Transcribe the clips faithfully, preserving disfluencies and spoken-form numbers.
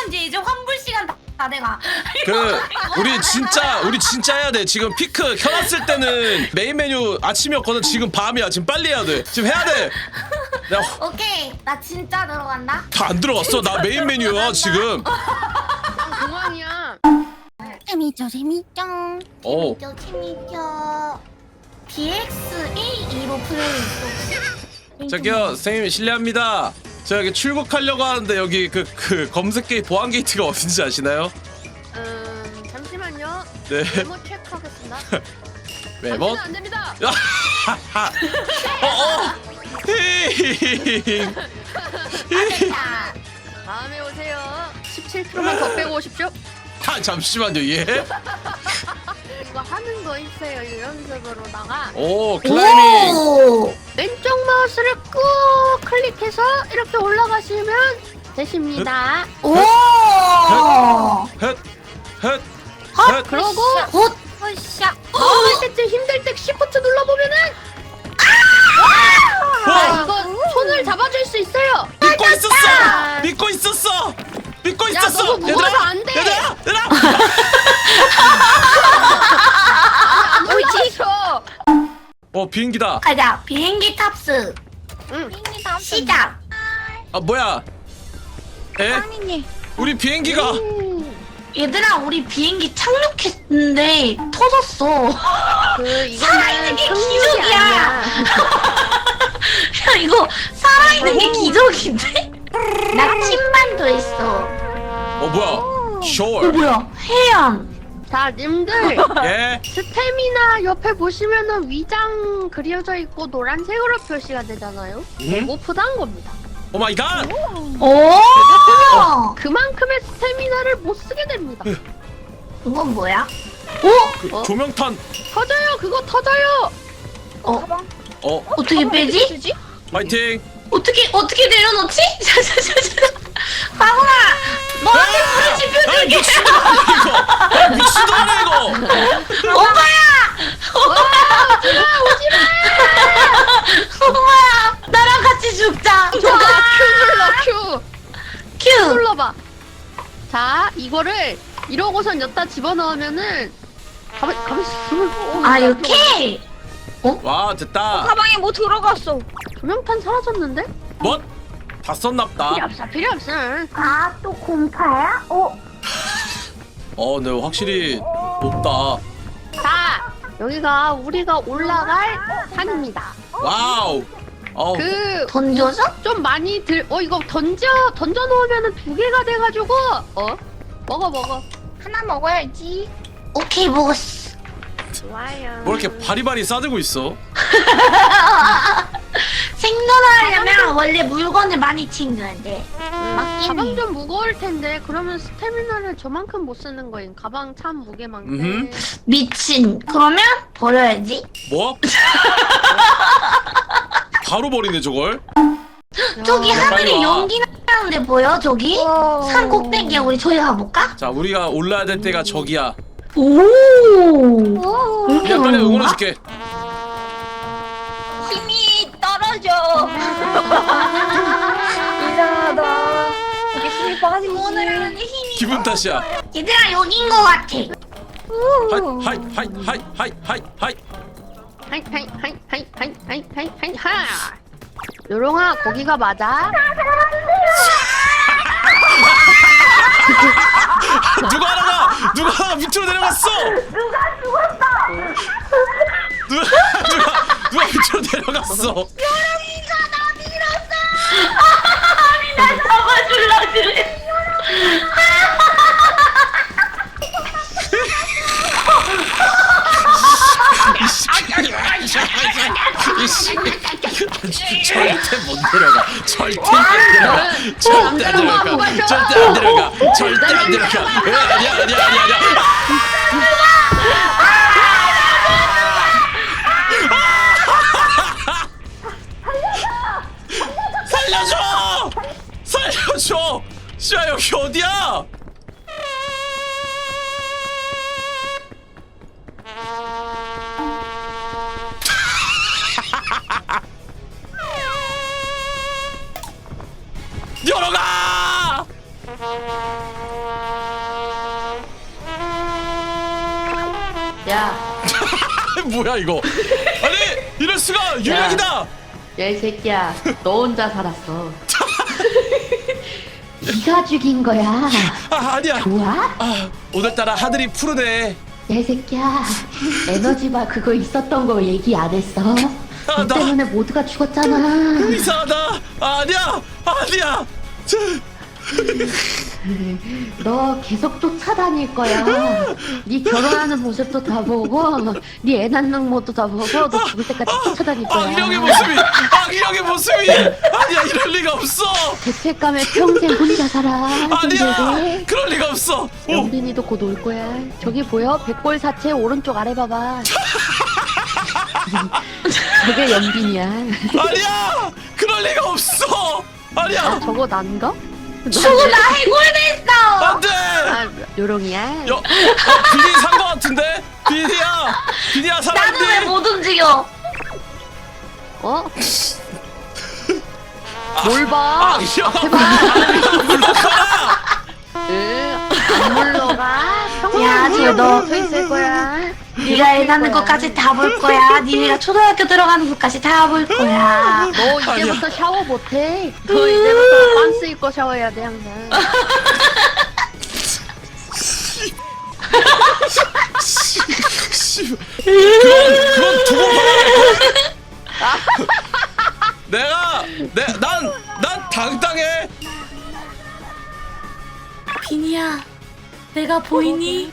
이제 이제 환불 시간 다, 다 돼가. 그 우리 진짜 우리 진짜 해야 돼. 지금 피크 켜놨을 때는 메인 메뉴 아침이었거든. 지금 밤이야. 지금 빨리 해야 돼. 지금 해야 돼. 내가 오케이, 나 진짜 들어간다. 다 안 들어갔어. 나 메인 메뉴야 지금. 공항이야. 재밌죠, 재밌죠. 오. 재밌죠, 재밌죠. 디엑스 에이이로 플레이했어. 저기요 선생님 실례합니다. 저 여기 출국하려고 하는데 여기 그 그 검색 게이트 보안 게이트가 어딘지 아시나요? 음 잠시만요. 네. 메모 체크하겠습니다. 매번. 안 됩니다. 어어. 히히히히. 자, 다음에 오세요. 십칠 킬로그램만 더 빼고 오십시오. 아 잠시만요 예. 이거 하는 거 있어요. 이 연습으로다가 오 클라이밍. 오! 왼쪽 마우스를 꾹 클릭해서 이렇게 올라가시면 되십니다. 오! 헷. 헷. 헛! 헷. 그러고 헛! 헛샤! 나올 때쯤 힘들 때 시프트 눌러보면은 아 와. 이거 손을 잡아줄 수 있어요. 믿고 있었어. 믿고 있었어. 믿고 야, 있었어. 너무 무거워서 안 돼. 얘들아, 얘들아. 옳지. 쳐. 어 비행기다. 가자, 비행기 탑승. 응. 비행기 탑승. 시작. 아 뭐야? 에? 아니네. 우리 비행기가 얘들아, 우리 비행기 착륙했는데 터졌어. 그 살아있는 이거는 게 착륙이 기적이야. 아니야. 야, 이거 살아있는 게 기적인데? 나침반도 있어. 어 뭐야? 이거 Sure. 뭐야? 해안. 자, 님들 예. 스태미나 옆에 보시면은 위장 그려져 있고 노란색으로 표시가 되잖아요. 음? 배고프다는 겁니다. 오 마이 갓. 오! 그만큼의 스태미나를 못 쓰게 됩니다. 이건 뭐야? 오! 그 어? 조명탄. 터져요, 그거 터져요. 어? 어 어떻게 빼지? 쓰지? 파이팅. 어떻게 어떻게 내려놓지? 바보아! 너한테 불을 지펴줄게! 이거 미친놈이야 이거. 오빠야! 오빠야! 나랑 같이 죽자! 저거 큐 눌러, 큐. 큐! 눌러봐. 자, 이거를 이러고선 여기다 집어넣으면은 가만, 가만 있어. 아, 이렇게? 와 됐다. 가방에 뭐 들어갔어. 조명탄 사라졌는데? 뭐? 다 썼납다. 필요 없어, 필요 없어. 아, 또 공파야? 어? 어, 근데 확실히 높다. 자, 여기가 우리가 올라갈 산입니다. 와우. 어. 그 던져서? 좀 많이 들, 어 이거 던져 던져 놓으면은 두 개가 돼가지고 어 먹어 먹어. 하나 먹어야지. 오케이, 먹었어. 좋아요. 뭐 이렇게 바리바리 싸들고 있어? 생존하려면 원래 물건을 많이 챙겨야 돼. 음, 가방 좀 무거울 텐데 그러면 스태미나를 저만큼 못 쓰는 거임. 가방 참 무게만큼. 음흠. 미친. 그러면 버려야지. 뭐? 바로 버리네 저걸. 저기 야, 빨리 하늘에 와. 연기 나는데 보여? 저기? 산 꼭대기야. 우리 저기 가볼까? 자, 우리가 올라야 될 때가 저기야. 오. 이렇게 야, 빨리 오는 건가? 응원해줄게. 힘이 떨어져. 이상하다. 이게 힘이 빠지지. 오늘은 힘이. 기분 탓이야. 얘들아, 여긴 거 같아. 하이 하이 하이 하이 하이 하이 하이. 하이 하이 하이 하이 하이 하이 하이 하이 하. 요롱아 거기가 맞아? 누가 하나가 누가 하나가 밑으로 내려갔어. 누가 죽었어? 누가 누가 누가 밑으로 내려갔어. 여름이가 나 밀었어. 아니, 나 잡아줄라 그래. 이씨, 절대 못 내려가. 절대 안 내려가. 절대 안 내려가. 절대 안 내려가. 절대 안 내려가. 아니야, 아니야, 아니야, 아니야. 살려줘! 살려줘! 씨야 여기 어디야? 열어가! 야, 뭐야 이거? 아니 이럴 수가 유령이다. 야 이 새끼야, 너 혼자 살았어. 네가 죽인 거야. 아 아니야. 좋아? 아 오늘따라 하늘이 푸르네. 야 이 새끼야, 에너지바 그거 있었던 거 얘기 안 했어? 아, 너 나- 때문에 모두가 죽었잖아. 이상하다. 아니야 아니야. 저, 너 계속 쫓아다닐 거야. 네 결혼하는 모습도 다 보고, 네 애 낳는 모습도 다 보고, 너 죽을 때까지 쫓아다닐 거야. 악령의 모습이 악령의 모습이 아니야 이럴 리가 없어. 죄책감에 평생 혼자 살아. 아니야 힘들게. 그럴 리가 없어. 오 연빈이도 곧 올 거야. 저기 보여? 백골 사체 오른쪽 아래 봐봐. 저게 연빈이야. 아니야 그럴 리가 없어. 아니야 아, 저거 난가? 저거 나 해골됐어. 안돼. 아, 요롱이야. 여, 어, 비니 산 거 같은데? 비니야 비니야 나는 왜 살았니? 못 움직여? 어? 뭘 봐? 아 이거 물러가라. 응, 안 물러가. 야, 쟤 너 서 있을 거야. 네가 애 낳는 것까지 다 볼 거야. 니네가 초등학교 들어가는 것까지 다 볼 거야. 너 이제부터 샤워 못해. 너 이제부터 반스 입고 샤워해야 돼 항상. 씨, 그건 그건 두고 봐. 내가 내난난 당당해. 비니야, 내가 보이니?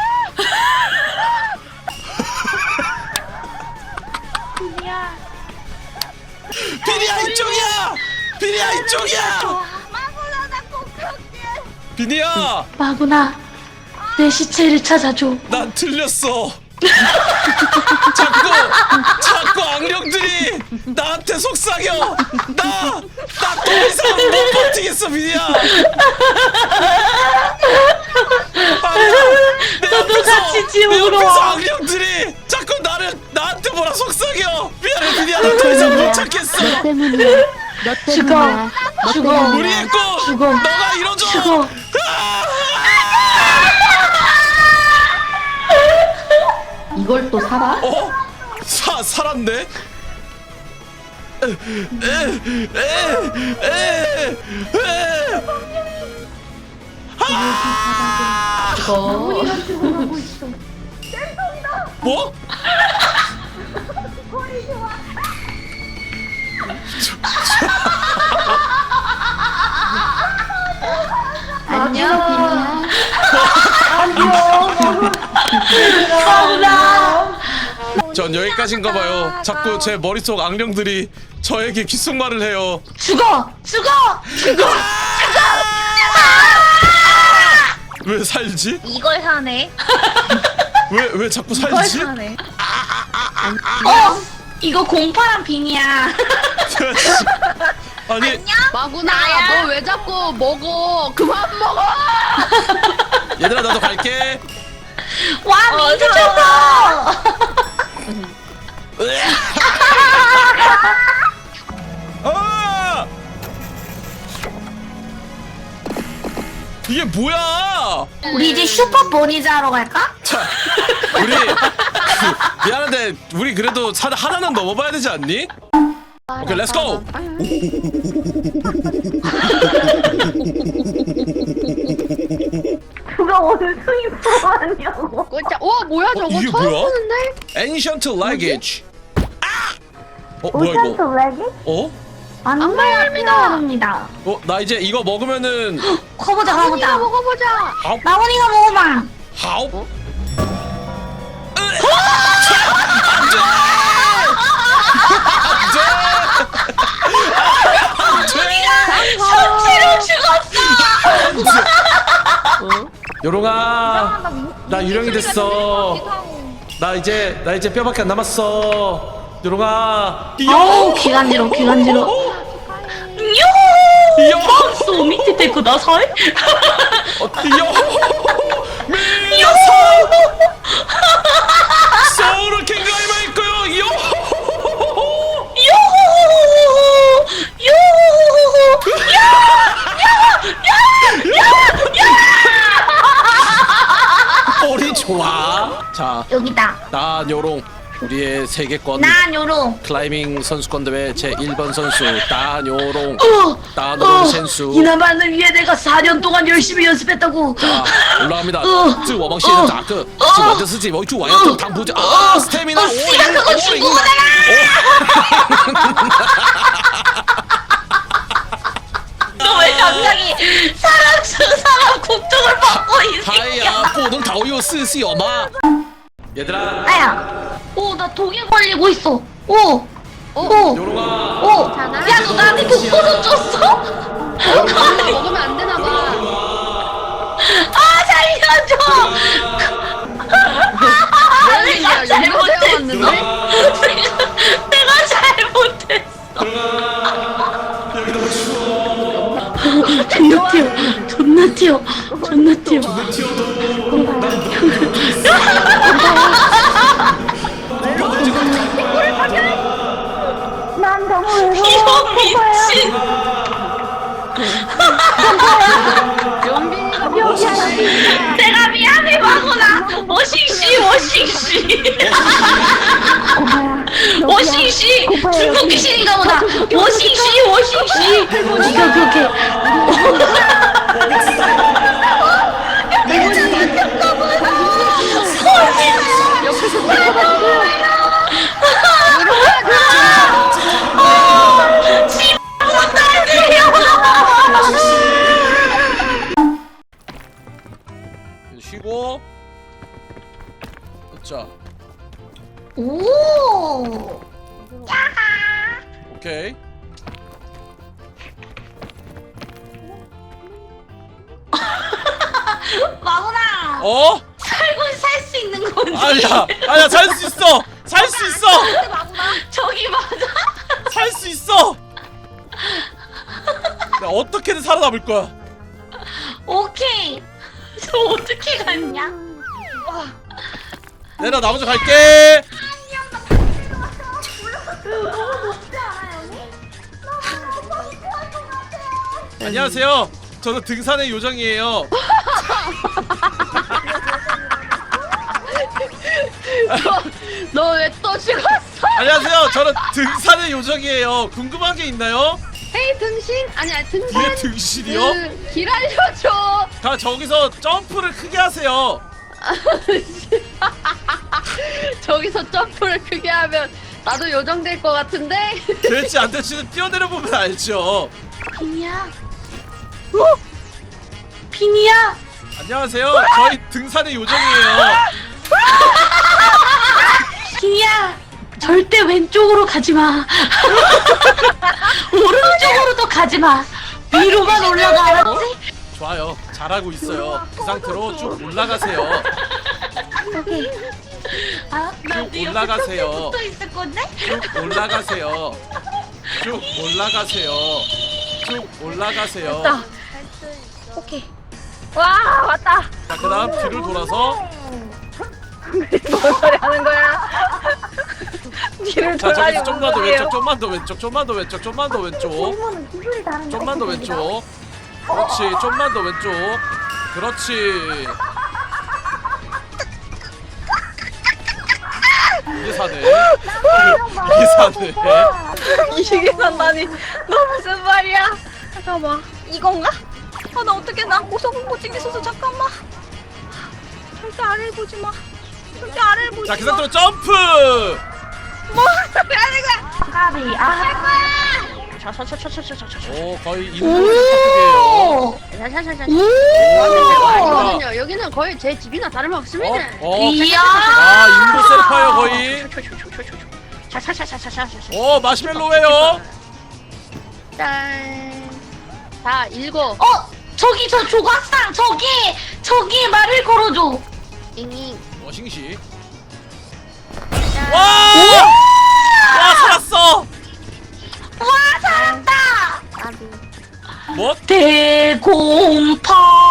비니야. 비니야 이쪽이야. 비니야 이쪽이야. 마구나 나 꼭할게. 비니야 마구나, 내 시체를 찾아줘. 난 틀렸어. 자꾸 자꾸 악령들이 나한테 속삭여. 나나 더 이상 못 버티겠어 비니야. 아니야 내 너도 앞에서 같이 내 지옥으로 앞에서 와. 악령들이 자꾸 나를 나한테 뭐라 속삭여. 미안해 비니야 나 더 이상 못 참겠어. 너 때문이야. 너 죽어. 때문이야. 너 죽어. 때문이야. 우리의 꿈 죽어. 너가 이뤄줘. 죽어. 이걸 또 살아? 어? 사 살았네. 에, 에, 에, 에, 에. 아! 이거. 뭐? 안녕, 마구나. 전 여기까지인가 봐요. 자꾸 제 머릿속 악령들이 저에게 귓속말을 해요. 죽어, 죽어, 죽어. 왜 살지? 이걸 사네. 왜 왜 자꾸 이걸 살지? 사네. 어, 이거 공파랑 비니야. 아니 마구나, 나야. 너 왜 자꾸 먹어? 그만 먹어! 얘들아 나도 갈게. 와, 미쳤어. 아! 이게 뭐야? 우리 이제 슈퍼 보니즈 하러 갈까? 자, 우리 그, 미안한데 우리 그래도 사, 하나는 넘어봐야 되지 않니? 오케이, 렛츠 고. 누가 오늘 수입 보았냐고. 꼴짜. 와, 뭐야 저거? 이게 처음 뭐야? 보는데? Ancient luggage. 아! 어 뭐야 이거? 레기? 어? 안마입니다. 어 나 이제 이거 먹으면은 커보자, 우리가 커보자. 먹어보자. 아우 나원이가 먹어봐. 하우. 성취로 죽었어. 요롱아 나 유령이 됐어. 나 이제 나 이제 뼈밖에 안 남았어. 요롱아. 어우, 기간지러, 기간지러. 요. 요! 소 밑에 데리고 나서? 어, 요. 미녀 소울을 갱가이 말 거요. 요. 요! 요! 야! 야! 야! 야! 자, 여기다. 따요롱 우리의 세계권 난 요롱. 클라이밍 선수권 대회 제일 번 선수 따요롱 어, 따노롱 어, 선수. 이나만을 위해 내가 사 년 동안 열심히 연습했다고. 자, 올라갑니다. 어, 这我们现在打个这我的自己我主完要당부자 아 스태미나 어, 씨발 그거 중국어잖아. 너 왜 갑자기 사람 사람 국적을 받고 이 새끼야? 哎呀不能逃又是是有吗 얘들아 아야. 오, 나 독에 걸리고 있어. 오. 오. 요롱아 오. 괜찮아? 야, 너 나한테 독소도 줬어? 이거 먹으면 안 되나 봐. 아, 살려줘. 아, 내가 잘못했어. 왔는데? 내가 잘못했어. 존나 튀어. 존나 튀어. 존나 튀어. 난 너무 외로워. 이거 미친. 연빈이가 여기야. 내가 미안해, 마구나. 오싱씨, 오싱씨. 오싱씨. 중국 귀신인가 보다. 오싱씨, 오싱씨. 오케이, 오케이, 오케이. 쉬고 자 오. 오케이 마구나. 어? 살고 살 수 있는 건지. 아니야 아니야 살 수 있어 살 수 있어 저기 맞아. 살 수 있어 나 어떻게든 살아남을 거야 오케이. 저 어떻게 갔냐? 내가 나 먼저 갈게 안녕하세요 저는 등산의 요정이에요 너 왜 또 죽었어? 안녕하세요 저는 등산의 요정이에요 궁금한 게 있나요? 헤이 등신? 아니야 등산. 뒤에 등신이요? 그, 길 알려줘. 가 저기서 점프를 크게 하세요 저기서 점프를 크게 하면 나도 요정될 것 같은데? 될지 안 될지는 뛰어내려 보면 알죠 비니야. 어? 비니야. 안녕하세요 저희 등산의 요정이에요 비니야. 절대 왼쪽으로 가지 마. 오른쪽으로도 가지 마. 위로만 올라가. 알았지? 좋아요 잘하고 있어요 그 상태로 쭉 올라가세요 아, 나 쭉 올라가세요. 붙어 있을 건데? 쭉 올라가세요 쭉 올라가세요 쭉 올라가세요 오케이. 와 왔다. 자 그 다음 뒤를 돌아서 뭔 소리 하는 거야? 뒤를 자 돌아니 저기서 좀만 더 왼쪽 좀만 더 왼쪽 좀만 더 왼쪽 좀만 더 왼쪽 이모는 기술이 다른데. 좀만 더 왼쪽 그렇지 좀만 더 왼쪽 그렇지 이게 사네 이게 사네 이게 산다니. 너 무슨 말이야? 잠깐만. 이건가? 아 나 어떻게 난 고소공포증 있어서 잠깐만. 절대 아래를 보지 마. 절대 아래를 보지 자 그 마. 상태로 점프 뭐 소리 하는 거야? 까비. 아. 오 거의 인도의 파트게요 오. 자자자자. 오. 아니거든요. 여기는 거의 제 집이나 다름없습니다. 어? 어? 이야. 아 인도 셀파예요 거의 오 마시멜로예요 짠. 자 읽어. 어, 저기 저 조각상 저기 저기 말을 걸어줘. 잉잉. 어 싱시 짠. 와! 와 살았어 와, 살았다. 아비. 뭐? 대공파.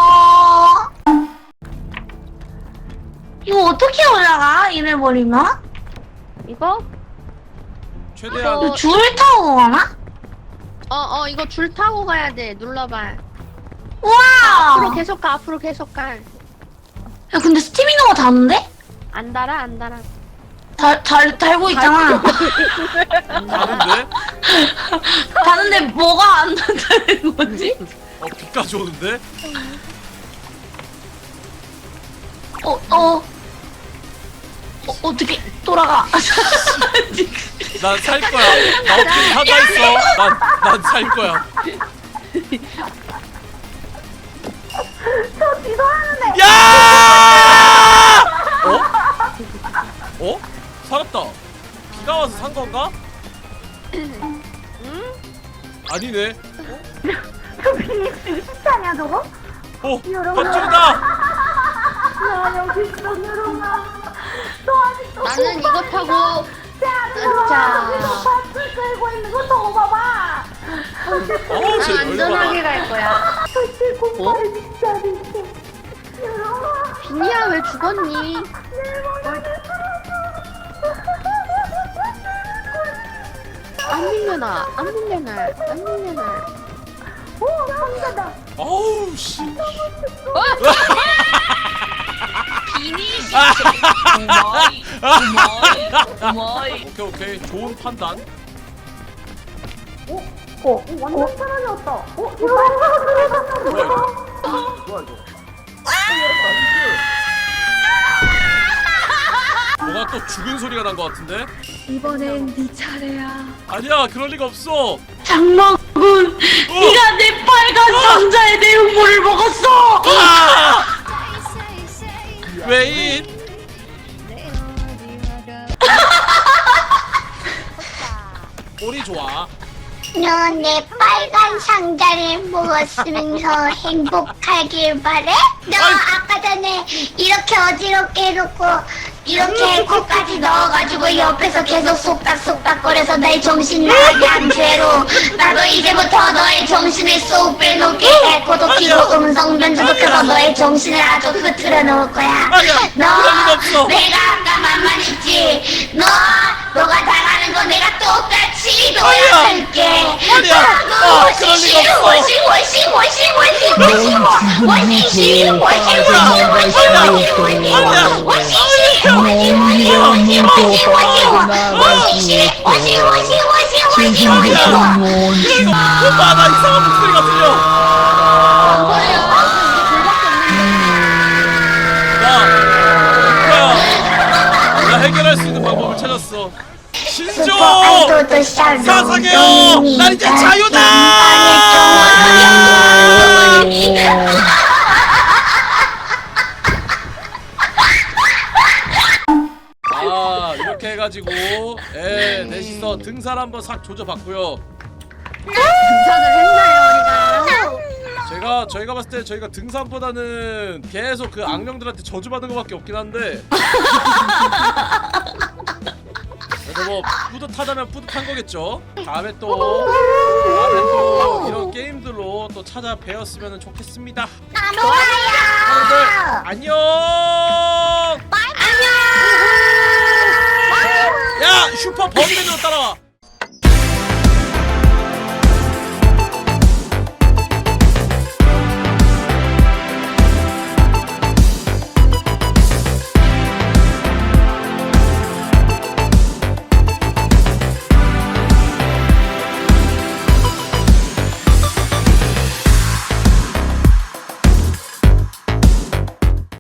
이거 어떻게 올라가? 이래 버리면? 이거? 최대한 어. 줄 타고 가나? 어 어 이거 줄 타고 가야 돼. 눌러봐. 우와. 앞으로 계속 가. 앞으로 계속 가. 야, 근데 스티미너가 다는데? 안 달아 안 달아. 달, 달, 달고 있잖아. 다른데? 다는데 뭐가 안 된다는 거지? 어 비까지 오는데? 어, 어. 어, 어떻게 돌아가? 난 살 거야. 나 어떻게 사가 있어? 난 난 살 거야. 저 뒤돌아는데. 야! 어? 어? 살았다. 비가 와서 산 건가? 응? 아니네. 저 비닉스 진짜 아니야 저거? 어, 여러분. 밧줄이다. 야 여기 있어 여러분아. 너 아직도 나는 이거 타고 자. 밧줄 끌고 있는 거 저거 봐봐. 어우, 쟤 안전하게 열받아. 갈 거야. 밧줄 공부를 진짜 진짜. 여러분. 비니야 왜 죽었니? 안 밀려나 안 밀려나 안 밀려나. 오 상자다. 어우 씨. 비니시. 오마이, 오마이. 오케이 오케이. 좋은 판단. 어, 완전 사라졌다. 어, 이거 뭐야 이거? 뭐가 또 죽은 소리가 난 것 같은데? 이번엔 네 차례야. 아니야 그럴 리가 없어. 장마군, 네가 내 빨간 상자의 내용물을 먹었어. 아! 웨인. 꼬리 좋아. 너 내 빨간 상자를 먹었으면서 행복하길 바래? 너 아까 전에 이렇게 어지럽게 해놓고 이렇게 코까지 넣어가지고 옆에서 계속 속닥속닥거려서 내 정신 나게 한 죄로 나도 이제부터 너의 정신을 쏙 빼놓게 에코도 키고 음성 변조도 켜서 너의 정신을 아주 흐트러 놓을 거야. 아니야, 그럴 리가 없어. 너 내가 아까 만만했지. 너 너가 당하는 거 내가 똑같이 아니야. 너한테 아니야. 아, 그럴 리가 없어. 워시 워시 워시 워시 워시 워시 워시 워시 워시 워시 아니야. 워시 이거 오빠 나 이상한 목소리가 들려. 야, 오빠야. 나 해결할 수 있는 방법을 찾았어. 신조 사상해요. 난 이제 자유다. 아 이렇게 해가지고 예 넷이서 등산 한번 싹 조져봤고요. 등산을 했나요 우리가? 제가 저희가 봤을 때 저희가 등산보다는 계속 그 악령들한테 저주받은 것밖에 없긴 한데 그래도 뭐 뿌듯하다면 뿌듯한 거겠죠. 다음에 또 다음에 또 이런 게임들로 또 찾아뵈었으면 좋겠습니다. 여러분들 안녕. 야 슈퍼 버기맨으로 따라와.